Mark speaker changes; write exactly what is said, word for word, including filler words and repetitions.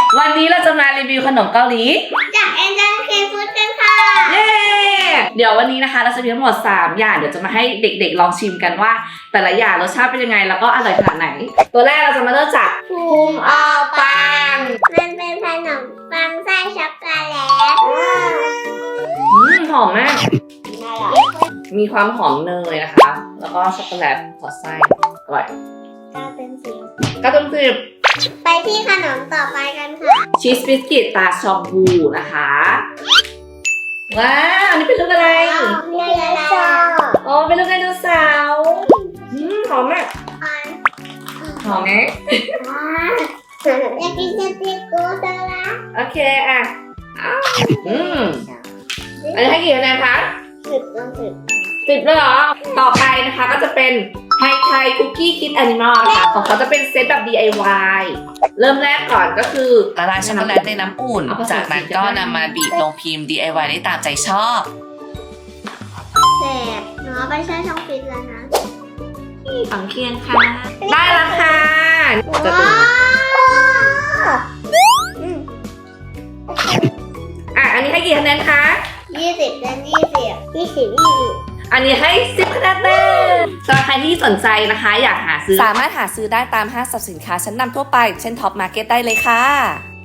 Speaker 1: วันนี้เราจะมารีวิวขนมเกาหลี
Speaker 2: จากแอนเจลเคฟูดกันค่ะ
Speaker 1: เย้เดี๋ยววันนี้นะคะเราจะมีทั้งหมดสามอย่างเดี๋ยวจะมาให้เด็กๆลองชิมกันว่า แต่ละอย่างรสชาติเป็นยังไงแล้วก็อร่อยขนาดไหนตัวแรกเราจะมาเริ่มจากภูมิออปัง
Speaker 2: มันเป็นขนมปังไส้ช็อกโกแลต
Speaker 1: อืมหอมมากมีความหอมเนยนะคะแล้วก็ช็อกโกแลตสอดไส้อร่อย
Speaker 2: เก้าเต็มสิบ
Speaker 1: เก้าเต็มสิบ
Speaker 2: ไปที่ขนมต่อไปกันค่ะ
Speaker 1: ชีสบิสกิตตาชองบูนะคะว้าวอันนี้เป็นลูกอะไร
Speaker 2: ไดโนเสาร์
Speaker 1: อ๋อเป็นลูกไดโนเสาร์อืมหอมมากหอมไหม
Speaker 2: อยากกินสติกโกโดล่า
Speaker 1: โอเคอ่ะอืมอันนี้ให้กี่คะแนนคะ
Speaker 2: สิบต้องสิบ
Speaker 1: สิบเลยเหรอต่อไปนะคะก็จะเป็นไฮไทคุกกี้คิดแอนิมอลค่ะของเขาจะเป็นเซตแบบ ดี ไอ วาย เริ่มแรกก่อนก็คือ
Speaker 3: ละลายช็อกโกแลตในน้ำอุ่นจากนั้นก็นำมาบีบลงพิมพ์ ดี ไอ วาย ได้ตามใจชอบ
Speaker 2: แสบหนูไปใช้ช่องฟิตแล้วนะ
Speaker 1: ฝังเคียงค่ะได้แล้วค่ะ
Speaker 2: ว้าว
Speaker 1: อ่ะอันนี้ให้กี่คะแนนคะ
Speaker 2: ยี่สิบเต็มยี่สิบยี่สิบยี่สิบ
Speaker 1: อันนี้ให้สิบคะแนนเต็มสำหรับใครที่สนใจนะคะอยากหาซื้อ
Speaker 3: สามารถหาซื้อได้ตามห้างสรรพสินค้าชั้นนำทั่วไปเช่นท็อปมาร์เก็ตได้เลยค่ะ